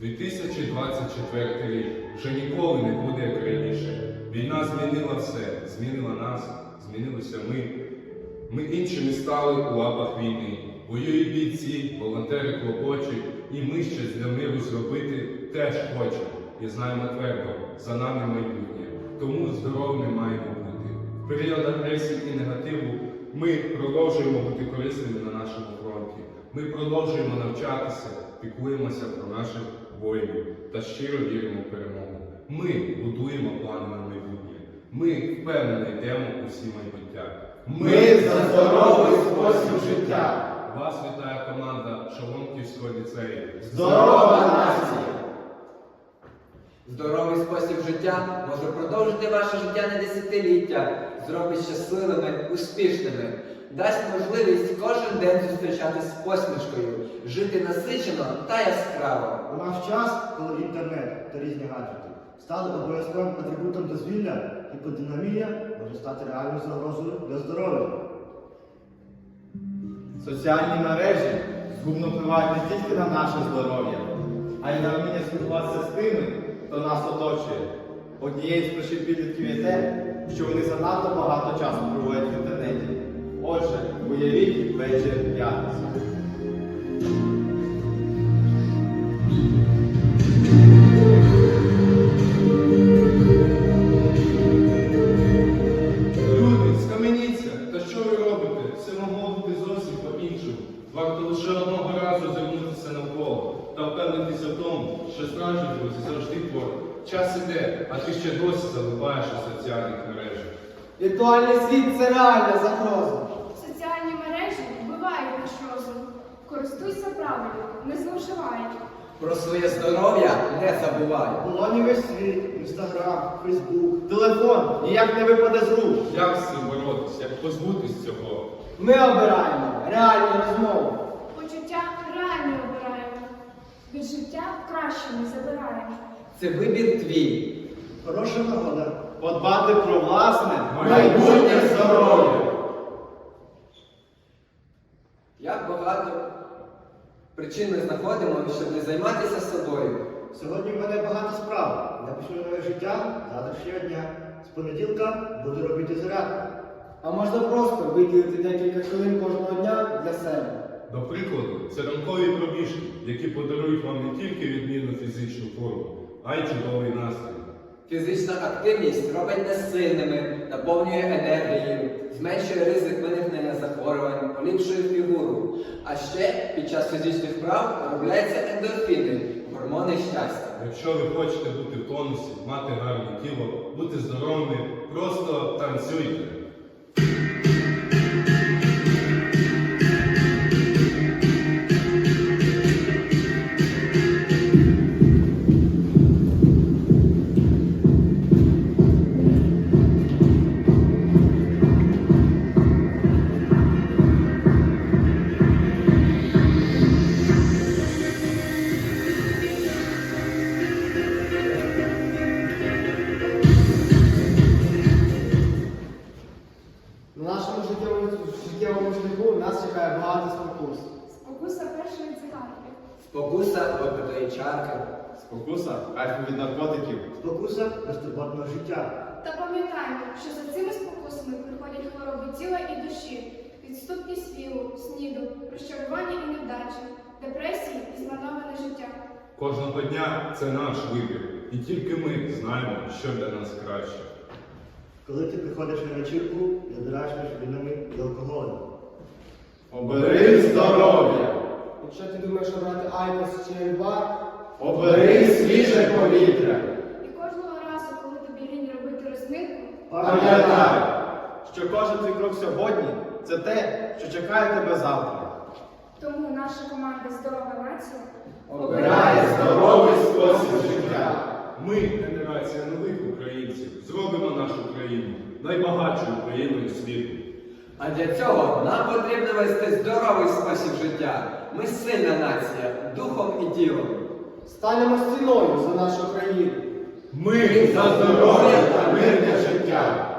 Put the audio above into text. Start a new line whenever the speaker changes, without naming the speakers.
2024 рік вже ніколи не буде як раніше. Війна змінила все, змінила нас, змінилися ми. Ми іншими стали у лапах війни. Воюють бійці, волонтери клопочуть, і ми щось для миру зробити теж хочемо. І знаємо твердо, за нами майбутнє. Тому здоровими маємо бути. В період агресії і негативу ми продовжуємо бути корисними на нашому фронті. Ми продовжуємо навчатися, піклуємося про наших воїнів та щиро віримо в перемогу. Ми будуємо плани на майбутнє. Ми впевнено йдемо у всі майбуття.
Ми за здоровий спосіб життя.
Вас вітає команда Шаломківського ліцею.
Здорова нація!
Здоровий спосіб життя може продовжити ваше життя на десятиліття, зробить щасливими, успішними, дасть можливість кожен день зустрічатись з посмішкою, жити насичено та яскраво.
У наш час, коли інтернет та різні гаджети стали обов'язковим атрибутом дозвілля, гіподинамія може стати реальною загрозою для здоров'я.
Соціальні мережі згубно впливають не тільки на наше здоров'я, а й на вміння спілкуватися з тими, хто нас оточує. Однією з причин підлітків є те, що вони занадто багато часу проводять в інтернеті. Отже, уявіть вечір п'ятниці.
Люди, скаменіться! Та що ви робите? Все могло бути зовсім по-іншому. Варто лише одного разу звернутися навколо та впевнитися в тому, що справжні друзі завжди поруч. Час іде, а ти ще досі залипаєш у соціальних мережах.
Віртуальний світ – це реальна загроза.
Соціальні мережі вбивають наш розум. Користуйся правильно, не зловживай.
Про своє здоров'я не забувай.
Полоні весь світ, інстаграм, фейсбук.
Телефон ніяк не випаде з рук.
Як з цим боротися? Як позбутись цього?
Ми обираємо реальні розмови.
Почуття реально обираємо. Від життя краще не забираємо.
Це вибір твій.
Хороша нагода.
Подбати про власне
Майбутнє
здоров'я.
Як багато причин ми знаходимо, щоб не займатися собою.
Сьогодні в мене багато справ. Напишу нове життя завтрашнього дня. З понеділка буду робити зарядку.
А можна просто виділити декілька хвилин кожного дня для себе.
До прикладу, це ранкові пробіжки, які подарують вам не тільки відмінну фізичну форму, а й чудовий настрій.
Фізична активність робить нас сильними, наповнює енергією, зменшує ризик виникнення захворювань, поліпшує фігуру. А ще під час фізичних вправ виробляються ендорфіни, гормони щастя.
Якщо ви хочете бути в тонусі, мати гарне тіло, бути здоровими, просто танцюйте.
На нашому життєвому шляху нас чекає багато спокус.
Спокуса першої цигарки.
Спокуса випитої чарки.
Спокуса кайфу від наркотиків.
Спокуса безтурботного життя.
Та пам'ятаємо, що за цими спокусами приходять хвороби тіла і душі, відступність вілу, сніду, розчарування і невдачі, депресії і змановане життя.
Кожного дня це наш вибір, і тільки ми знаємо, що для нас краще.
Коли ти приходиш на вечірку, вибираєш між вінами і алкоголем.
Обери здоров'я.
Якщо ти думаєш обрати айкос чи ельбар,
Обери свіже повітря.
І кожного разу, коли тобі лінь робити розминку,
Пам'ятай, що кожен твій крок сьогодні – це те, що чекає тебе завтра.
тому наша команда «Здорова нація»
Обирає здоровий спосіб життя.
Ми, генерація нових українців, зробимо нашу країну найбагатшою країною світу.
А для цього нам потрібно вести здоровий спосіб життя. Ми сильна нація, духом і тілом.
станемо стіною за нашу країну.
Ми за здоров'я та мирне життя.